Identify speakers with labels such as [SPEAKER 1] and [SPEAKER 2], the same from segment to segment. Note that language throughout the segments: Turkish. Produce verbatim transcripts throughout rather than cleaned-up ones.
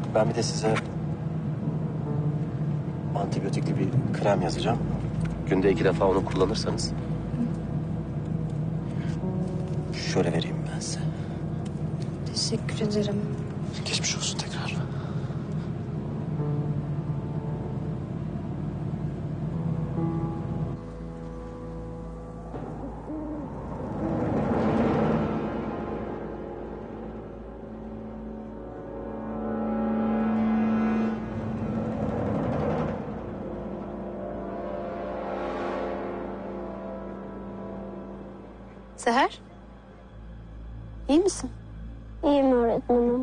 [SPEAKER 1] Ben bir de size antibiyotikli bir krem yazacağım. Günde iki defa onu kullanırsanız. Şöyle vereyim ben size.
[SPEAKER 2] Teşekkür ederim.
[SPEAKER 1] Geçmiş olsun tekrar.
[SPEAKER 2] Seher. İyi misin?
[SPEAKER 3] İyiyim öğretmenim.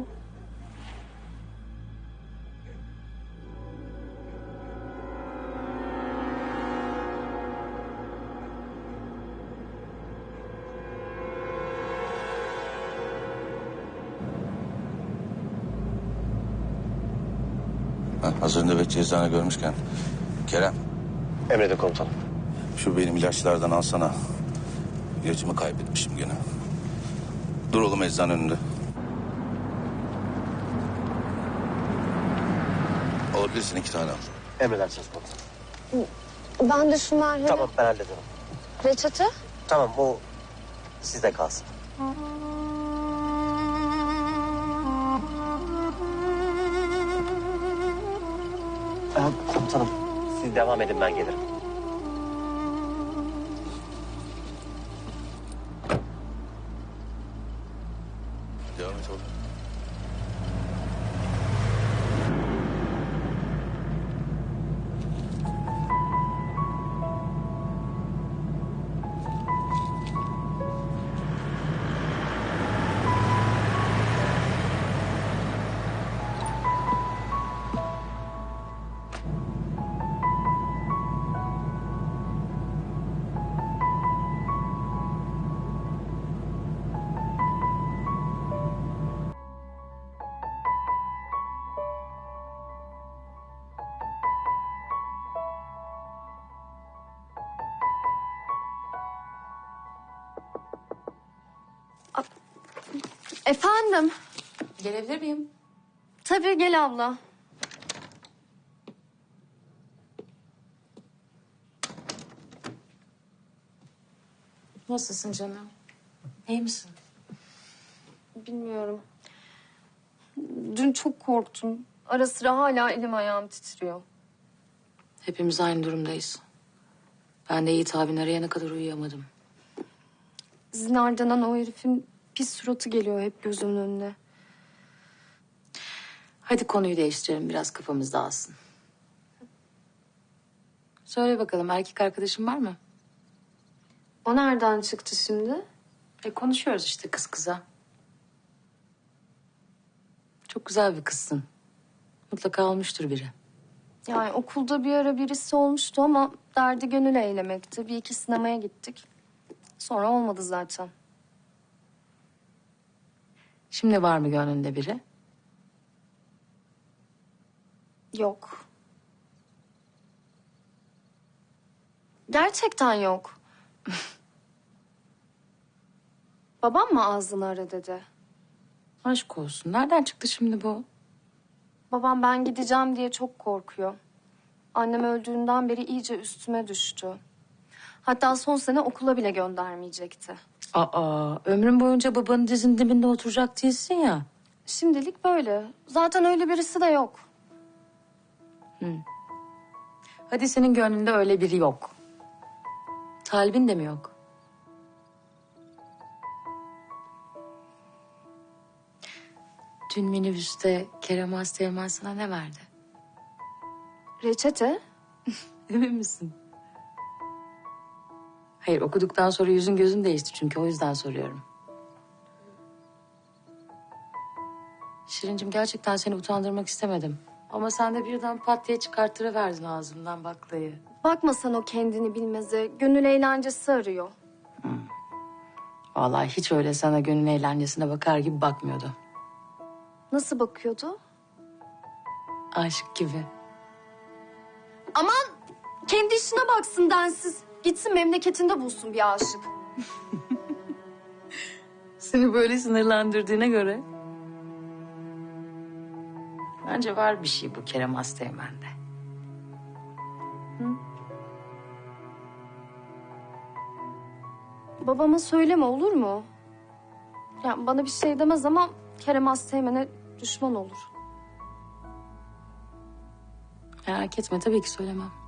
[SPEAKER 4] Ha, hazır nöbetçi eczane görmüşken. Kerem,
[SPEAKER 1] Emredin komutanım.
[SPEAKER 4] şu benim ilaçlardan alsana. İlacımı kaybetmişim gene. Dur oğlum eczane önünde. Alabilirsin, iki tane al.
[SPEAKER 1] Emredersiniz komutanım.
[SPEAKER 3] Ben de şu merhemi...
[SPEAKER 1] Tamam, ben hallederim.
[SPEAKER 3] Reçete?
[SPEAKER 1] Tamam, o sizde kalsın. Ee, komutanım, siz devam edin, ben gelirim.
[SPEAKER 4] Devam et oğlum.
[SPEAKER 2] Efendim?
[SPEAKER 5] Gelebilir miyim?
[SPEAKER 2] Tabii, gel abla.
[SPEAKER 5] Nasılsın canım? İyi misin?
[SPEAKER 2] Bilmiyorum. Dün çok korktum. Ara sıra hala elim ayağım titriyor.
[SPEAKER 5] Hepimiz aynı durumdayız. Ben de Yiğit abin arayana kadar uyuyamadım.
[SPEAKER 2] Zinardanan o herifin pis suratı geliyor hep gözümün önüne.
[SPEAKER 5] Hadi konuyu değiştirelim, biraz kafamız dağılsın. Söyle bakalım, erkek arkadaşın var mı?
[SPEAKER 2] O nereden çıktı şimdi?
[SPEAKER 5] E konuşuyoruz işte kız kıza. Çok güzel bir kızsın. Mutlaka olmuştur biri.
[SPEAKER 2] Yani okulda bir ara birisi olmuştu ama derdi gönül eylemekti. Bir iki sinemaya gittik. Sonra olmadı zaten.
[SPEAKER 5] Şimdi var mı gönlünde biri?
[SPEAKER 2] Yok. Gerçekten yok. Babam mı ağzını ara dedi?
[SPEAKER 5] Aşk olsun. Nereden çıktı şimdi bu?
[SPEAKER 2] Babam ben gideceğim diye çok korkuyor. Annem öldüğünden beri iyice üstüme düştü. Hatta son sene okula bile göndermeyecekti.
[SPEAKER 5] Aa, ömrün boyunca babanın dizinin dibinde oturacak değilsin ya.
[SPEAKER 2] Şimdilik böyle. Zaten öyle birisi de yok.
[SPEAKER 5] Hadi senin gönlünde öyle biri yok. Talibin de mi yok? Dün minibüste Kerem Asteğmen sana ne verdi?
[SPEAKER 2] Reçete?
[SPEAKER 5] Emin misin? Hayır, okuduktan sonra yüzün gözün değişti çünkü o yüzden soruyorum. Şirincim, gerçekten seni utandırmak istemedim. Ama sen de birden pat diye çıkarttırıverdin ağzımdan baklayı.
[SPEAKER 2] Bakma sen o kendini bilmeze. Gönül eğlencesi arıyor.
[SPEAKER 5] Vallahi hiç öyle sana gönül eğlencesine bakar gibi bakmıyordu.
[SPEAKER 2] Nasıl bakıyordu?
[SPEAKER 5] Aşık gibi.
[SPEAKER 2] Aman kendi işine baksın densiz. Gitsin memleketinde bulsun bir aşık.
[SPEAKER 5] Seni böyle sınırlandırdığına göre. Bence var bir şey bu Kerem Asteğmen'de.
[SPEAKER 2] Babama söyleme olur mu? Yani bana bir şey demez ama Kerem Asteğmen'e düşman olur.
[SPEAKER 5] Merak etme tabii ki söylemem.